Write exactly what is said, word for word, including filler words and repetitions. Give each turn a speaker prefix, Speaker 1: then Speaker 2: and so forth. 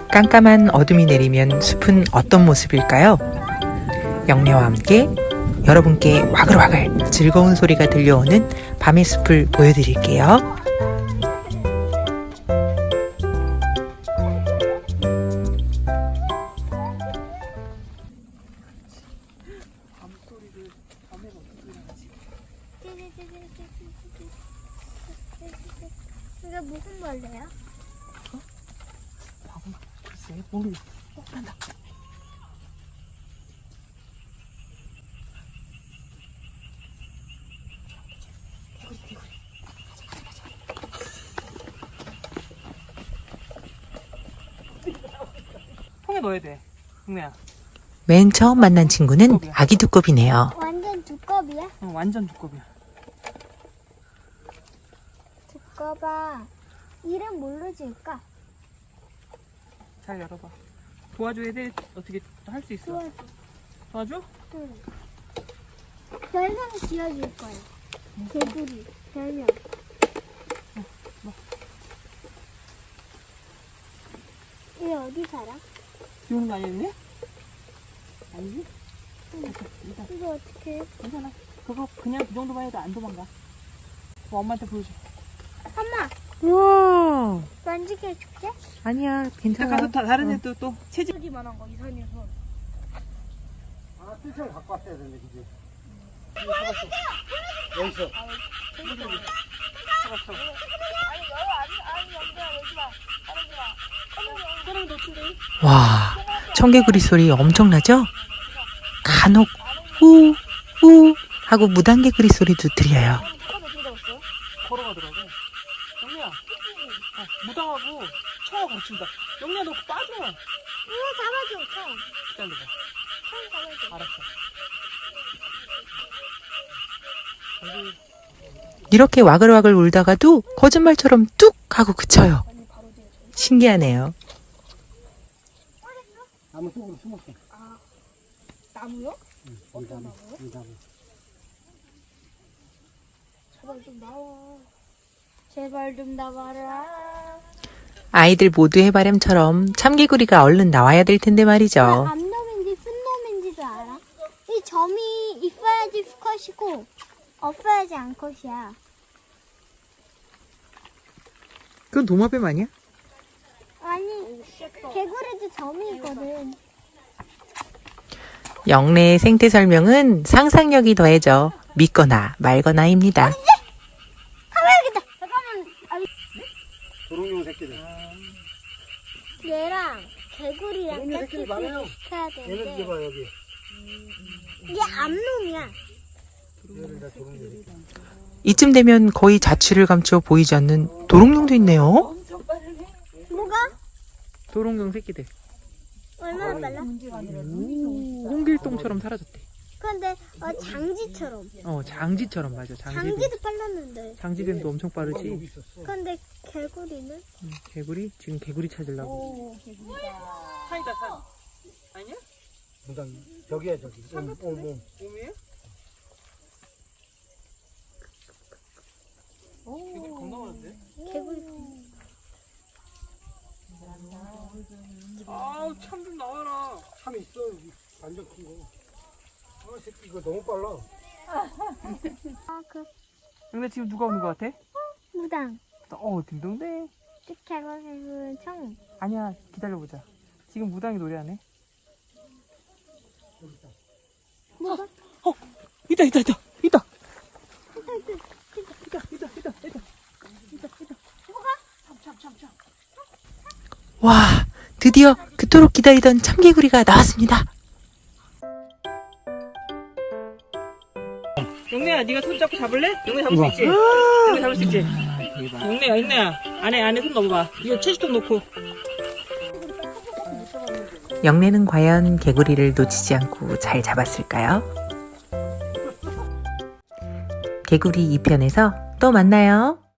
Speaker 1: 깜깜한 어둠이 내리면 숲은 어떤 모습일까요? 영래와 함께 여러분께 와글와글 즐거운 소리가 들려오는 밤의 숲을 보여드릴게요.
Speaker 2: 이게 무슨 벌레야?
Speaker 1: 어? 바보, 글쎄, 모르겠어. 어, 난다. 개구리, 개구리. 통에 넣어야 돼, 동네야. 맨 처음 만난 친구는 아기 두꺼비네요.
Speaker 2: 완전 두꺼비야?
Speaker 1: 어, 완전 두꺼비야.
Speaker 2: 두꺼봐. 이름 뭘로 지을까?
Speaker 1: 잘 열어봐. 도와줘야 돼. 어떻게 할 수 있어?
Speaker 2: 도와줘.
Speaker 1: 도와줘?
Speaker 2: 응. 별명 지어줄 거야. 개구리. 별명.
Speaker 1: 어, 뭐.
Speaker 2: 얘 어디 살아?
Speaker 1: 비 오는 거 아니었니? 아니지?
Speaker 2: 응.
Speaker 1: 됐어, 일단.
Speaker 2: 이거 어떻게 해?
Speaker 1: 괜찮아. 그거 그냥 그 정도만 해도 안 도망가. 뭐 엄마한테 보여줘.
Speaker 2: 엄마,
Speaker 1: 우와.
Speaker 2: 만지게 해줄게.
Speaker 1: 아니야, 괜찮아. 가서 다, 다른
Speaker 2: 어.
Speaker 1: 애도 또 체질.
Speaker 2: 소리만한 거, 이산에서.
Speaker 3: 아, 뜰채를 갖고 왔어야 되는데, 그지? 여기 있어.
Speaker 1: 잡았어. 와, 청개구리 소리 엄청나죠? 간혹 우, 우 하고 무단개구리 소리도 들려요. 걸어가더라고. 영리야, 어, 무당하고 청어 가르친다. 영리야, 너 빠져.
Speaker 2: 이거 잡아줘, 총.
Speaker 1: 기다려봐.
Speaker 2: 총 잡아줘.
Speaker 1: 알았어. 이렇게 와글와글 울다가도 거짓말처럼 뚝 하고 그쳐요. 신기하네요.
Speaker 3: 나무 속으로 숨었어.
Speaker 2: 아, 나무요?
Speaker 3: 응, 이 나무, 이 나무.
Speaker 2: 제발 좀 나와. 제발 좀 나와라.
Speaker 1: 아이들 모두의 바람처럼 참개구리가 얼른 나와야 될 텐데 말이죠.
Speaker 2: 암놈인지 순놈인지도 알아? 이 점이 있어야지 수컷이고 없어야지 암컷이야.
Speaker 1: 그건 도마뱀 아니야?
Speaker 2: 아니, 개구리도 점이 있거든.
Speaker 1: 영래의 생태 설명은 상상력이 더해져 믿거나 말거나입니다.
Speaker 2: 가봐야겠다. 잠깐만. 아니,
Speaker 3: 도롱뇽 새끼들.
Speaker 2: 얘랑 개구리랑
Speaker 3: 도롱뇽 새끼들 많아요.
Speaker 2: 해야
Speaker 3: 얘네들
Speaker 2: 되는데
Speaker 3: 봐, 여기.
Speaker 2: 이게 암놈이야.
Speaker 3: 얘네들 다 도롱뇽 새끼.
Speaker 1: 이쯤 되면 거의 자취를 감춰 보이지 않는 도롱뇽도 있네요.
Speaker 2: 뭐가?
Speaker 1: 도롱뇽 새끼들.
Speaker 2: 얼마나 빨라?
Speaker 1: 오, 홍길동처럼 사라졌대.
Speaker 2: 근데 어, 장지처럼.
Speaker 1: 어, 장지처럼 맞아. 장지뱀.
Speaker 2: 장지도 빨랐는데.
Speaker 1: 장지뱀도 엄청
Speaker 3: 여기
Speaker 1: 빠르지.
Speaker 3: 있었어.
Speaker 2: 근데 개구리는?
Speaker 1: 응, 개구리? 지금 개구리 찾으려고. 산이다, 산. 아니야?
Speaker 3: 무당, 저기야, 저기. 옴, 옴, 옴.
Speaker 1: 옴이에요? 개구리 겁나 많은데?
Speaker 2: 개구리.
Speaker 1: 아우, 참 좀 나와라.
Speaker 3: 참 있어, 여기. 완전 큰 거. 아, 새끼, 이거 너무 빨라.
Speaker 2: 아, 그
Speaker 1: 근데 지금 누가 오는 것 같아?
Speaker 2: 무당.
Speaker 1: 어, 딩동댕.
Speaker 2: 개구리 청.
Speaker 1: 아니야, 기다려보자. 지금 무당이 노래하네.
Speaker 2: 뭐가?
Speaker 1: 어, 있다, 있다, 있다, 있다. 있다, 있다, 있다, 있다. 와, 드디어 그토록 기다리던 참개구리가 나왔습니다. 영래야, 네가 손 잡고 잡을래? 영래 잡을 수 있지? 영래 잡을 수 있지? 영래야, 영래야, 안에 안에 손 넣어봐. 이거 채식통 놓고. 영래는 과연 개구리를 놓치지 않고 잘 잡았을까요? 개구리 이 편에서 또 만나요.